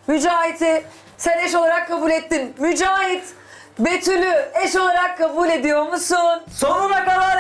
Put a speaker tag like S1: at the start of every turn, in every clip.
S1: Mücahit'i sen eş olarak kabul ettin. Mücahit, Betül'ü eş olarak kabul ediyor musun?
S2: Sonuna kadar.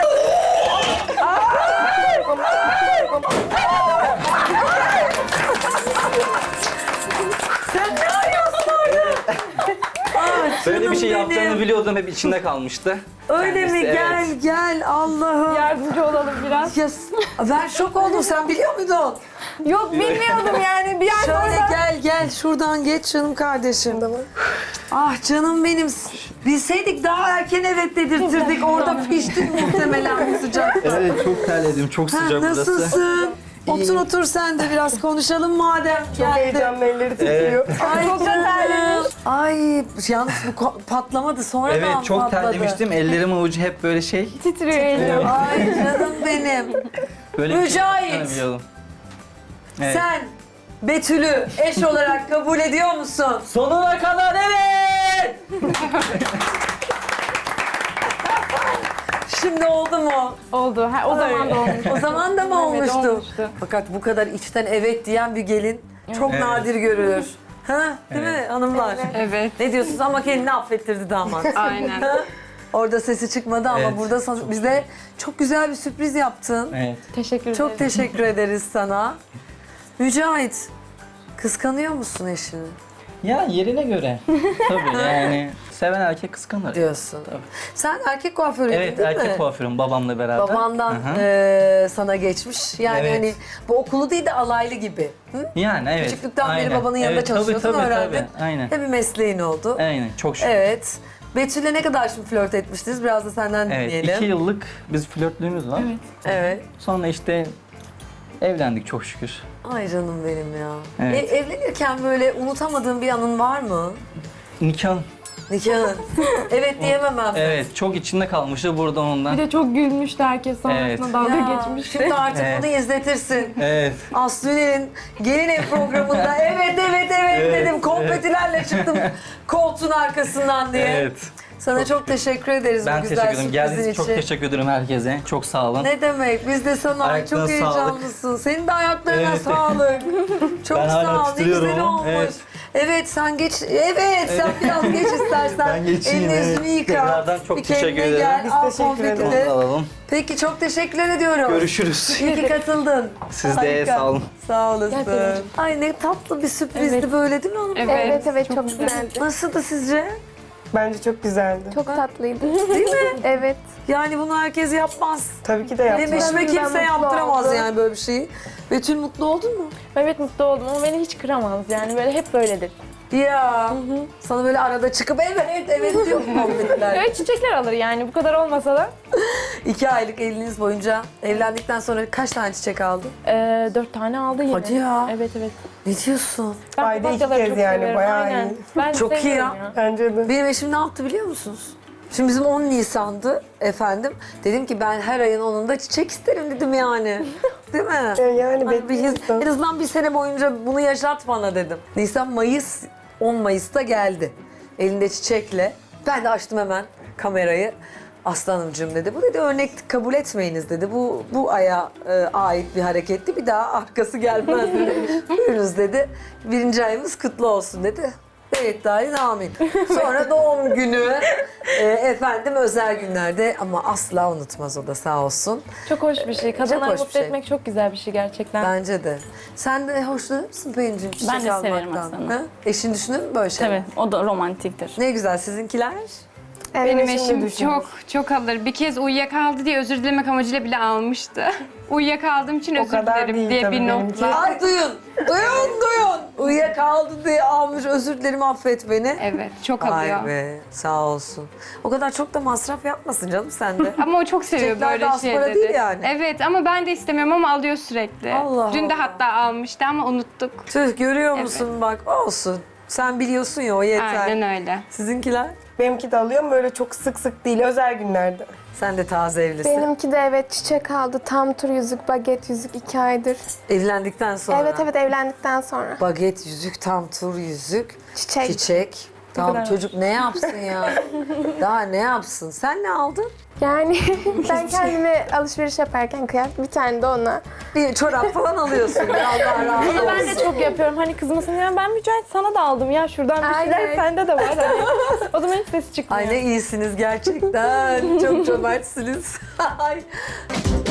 S1: Sen ne arıyorsun orada?
S2: Böyle bir şey
S1: benim.
S2: yapacağını biliyordum, hep içinde kalmıştı.
S1: Öyle mi?
S2: Kendisi,
S1: Gel
S2: evet.
S1: gel Allah'ım.
S3: Yardımcı olalım biraz.
S1: Ya, ben şok oldum. Sen biliyor muydun?
S3: Yok bilmiyordum yani. Bir an
S1: Şöyle
S3: orada.
S1: gel şuradan geç canım kardeşim. Ah canım benim. Bilseydik daha erken evet dedirtirdik. Orada piştin muhtemelen bu sıcakta.
S2: Evet, çok terledim, çok
S1: Ha,
S2: sıcak burası.
S1: nasılsın? Otur sen de biraz konuşalım madem geldin.
S4: Heyecanlı elleri titriyor.
S1: Ay
S3: Çok da
S1: canım.
S3: terlemiş.
S1: Ay yalnız bu patlamadı sonradan
S2: Evet, çok
S1: patladı.
S2: terlemiştim. Ellerim avucu hep böyle şey.
S3: Titriyor elim.
S1: Ay canım benim.
S2: Böyle
S1: Mücahit.
S2: Bir şey biliyordum. Evet.
S1: Sen Betül'ü eş olarak kabul ediyor musun?
S2: Sonuna kadar evet!
S1: Şimdi oldu mu?
S3: Oldu. Ha, o zaman da olmuş.
S1: O zaman da mı
S3: Evet,
S1: olmuştu?
S3: olmuştu.
S1: Fakat bu kadar içten evet diyen bir gelin çok
S2: Evet.
S1: nadir görülür. Ha, değil mi hanımlar?
S5: Evet,
S1: Ne diyorsunuz ama kendini affettirdi damat.
S5: aynen.
S1: Ha? Orada sesi çıkmadı ama
S2: Evet.
S1: burada bize çok güzel bir sürpriz yaptın.
S2: Evet.
S3: Teşekkür ederim.
S1: Çok teşekkür ederiz sana. Mücahit, kıskanıyor musun eşini?
S2: Ya yerine göre. Tabii yani seven erkek kıskanır.
S1: Diyorsun.
S2: Tabii.
S1: Sen erkek kuaförüydün
S2: Evet,
S1: değil
S2: erkek
S1: mi?
S2: kuaförüm babamla beraber.
S1: Babandan
S2: Hı hı.
S1: sana geçmiş. Yani
S2: Evet.
S1: hani bu okulu değil de alaylı gibi. Hı?
S2: Yani evet.
S1: Küçüklükten beri
S2: aynen.
S1: babanın yanında
S2: Evet,
S1: çalışıyordun,
S2: tabii,
S1: öğrendin.
S2: Tabii, aynen.
S1: Ve bir mesleğin oldu.
S2: Aynen, çok şükür.
S1: Evet. Betül'le ne kadar şimdi flört etmiştiniz? Biraz da senden
S2: Evet,
S1: dinleyelim.
S2: 2 yıllık biz flörtlüğümüz var.
S1: Evet.
S2: Sonra işte evlendik çok şükür.
S1: Ay canım benim ya.
S2: Evet.
S1: Evlenirken böyle unutamadığın bir anın var mı?
S2: Nikah.
S1: Nikahın. Evet diyememem.
S2: Evet, çok içinde kalmıştı burada ondan.
S3: Bir de çok gülmüştü herkes sonrasında
S2: Evet.
S3: dalga
S1: Ya,
S3: geçmişti.
S1: şimdi artık
S2: Evet.
S1: bunu izletirsin.
S2: Evet.
S1: Aslı Üner'in Gelin Ev programında evet dedim. Konfetilerle çıktım koltuğun arkasından diye.
S2: Evet.
S1: Sana çok teşekkür ederiz
S2: Ben
S1: bu güzel
S2: teşekkür ederim.
S1: sürprizin
S2: Geldiğiniz için
S1: için.
S2: çok teşekkür ederim herkese. Çok sağ olun.
S1: Ne demek? Biz de sana
S2: Ayaklarına
S1: çok heyecanlısın. Senin de ayaklarına
S2: Evet.
S1: sağlık. Çok
S2: Ben hala
S1: sağ ol. Ne
S2: titriyorum
S1: güzel
S2: ama.
S1: olmuş.
S2: Evet.
S1: Evet sen geç. Evet sen biraz geç istersen.
S2: Ben geçeyim,
S1: Elini
S2: evet.
S1: yüzünü yıka.
S2: Tekrardan çok
S1: Bir
S2: teşekkür
S1: kendine
S2: ederim.
S1: Gel.
S4: Biz
S1: Al
S4: teşekkür
S1: konfeti
S4: ederiz.
S1: de.
S2: Onu da alalım.
S1: Peki çok teşekkürler ediyorum.
S2: Görüşürüz.
S1: İyi ki katıldın.
S2: Siz de
S1: Harika.
S2: sağ olun.
S1: Sağ olasın.
S3: Gel Pelin'cim.
S1: Ay ne tatlı bir sürprizdi
S3: Evet.
S1: böyle değil mi hanım?
S5: Evet.
S6: Evet çok güzeldi.
S1: Nasıldı sizce?
S4: Bence çok güzeldi.
S6: Çok tatlıydı.
S1: Değil mi?
S6: Evet.
S1: Yani bunu herkes yapmaz.
S4: Tabii ki de
S1: Benim
S4: yaptım.
S1: eşime
S6: Ben
S1: kimse
S6: mutlu
S1: yaptıramaz
S6: oldum.
S1: yani böyle bir şeyi. Betül mutlu oldun mu?
S3: Evet mutlu oldum ama beni hiç kıramaz. Yani böyle hep böyledir.
S1: Ya sana böyle arada çıkıp evet diyor muhabbetler.
S3: Evet çiçekler alır yani bu kadar olmasa da.
S1: 2 aylık evliliğiniz boyunca evlendikten sonra kaç tane çiçek aldın?
S3: 4 tane aldı yine.
S1: Hadi ya.
S3: Evet.
S1: Ne diyorsun?
S3: Ben
S4: Ayda 2
S3: papatyaları
S4: kez
S3: çok
S4: yani,
S3: severim,
S4: bayağı
S3: aynen.
S4: iyi.
S3: Ben
S1: Çok iyi
S3: seviyorum
S1: ya.
S4: Bence de.
S1: Benim eşim ne yaptı biliyor musunuz? Şimdi bizim 10 Nisan'dı efendim. Dedim ki ben her ayın 10'unda çiçek isterim dedim yani. Değil mi?
S4: Yani
S1: Hani
S4: bekliyorsun.
S1: en azından bir sene boyunca bunu yaşat bana dedim. Nisan, Mayıs, 10 Mayıs'ta geldi. Elinde çiçekle. Ben de açtım hemen kamerayı. Aslanımcığım dedi. Bu dedi örnek kabul etmeyiniz dedi. Bu aya ait bir hareketti. Bir daha arkası gelmez dedi. Buyurunuz dedi. 1. ayımız kutlu olsun dedi. Evet dahin amin. Sonra doğum günü efendim özel günlerde ama asla unutmaz o da sağ olsun.
S3: Çok hoş bir şey. Kadınları
S1: hoş bir
S3: mutlu
S1: şey.
S3: etmek çok güzel bir şey gerçekten.
S1: Bence de. Sen de hoşlanır mısın Pelin'cim çiçek
S5: Ben de severim
S1: almaktan?
S5: aslında.
S1: Ha? Eşin düşünür mü böyle şey?
S5: Tabii, o da romantiktir.
S1: Ne güzel sizinkiler.
S5: Benim
S4: eşim de
S5: eşim
S4: düşünür.
S5: çok alır. Bir kez uyuyakaldı diye özür dilemek amacıyla bile almıştı. Uyuyakaldığım için
S4: O
S5: özür
S4: kadar
S5: dilerim
S4: değil
S5: diye
S4: tabii
S5: bir
S4: benimki.
S5: notla.
S1: Ay duyun. Uyuyakaldı diye almış özür dilerim affet beni.
S5: Evet, çok alıyor.
S1: Ay be sağ olsun. O kadar çok da masraf yapmasın canım sen de.
S5: Ama o çok seviyor
S1: Çiçekler de
S5: böyle
S1: az para
S5: şeyleri.
S1: değil yani.
S5: Evet ama ben de istemiyorum ama alıyor sürekli.
S1: Allah
S5: Dün de
S1: Allah.
S5: hatta almıştı ama unuttuk.
S1: Tüh görüyor musun bak olsun. Sen biliyorsun ya o yeter.
S5: Aynen öyle.
S1: Sizinkiler?
S4: Benimki de alıyorum böyle çok sık sık değil özel günlerde.
S1: Sen de taze evlisin.
S6: Benimki de evet çiçek aldı. Tam tur yüzük, baget yüzük 2 aydır.
S1: Evlendikten sonra.
S6: Evet evlendikten sonra.
S1: Baget yüzük, tam tur yüzük,
S6: Çiçek.
S1: çiçek. Tamam
S3: kadar
S1: çocuk ne yapsın ya? Daha ne yapsın? Sen ne aldın?
S6: Yani ben kendime alışveriş yaparken kıyafet bir tane de ona.
S1: Bir çorap falan alıyorsun. Ya Allah razı
S3: Bunu ben de
S1: olsun.
S3: çok yapıyorum. Hani kızmasın ya ben Mücahit sana da aldım ya şuradan bir şeyler
S6: Aynen.
S3: sende de var. Hani. O zaman hiç ses çıkmıyor.
S1: Ay ne iyisiniz gerçekten. Çok cömertsiniz. Ay.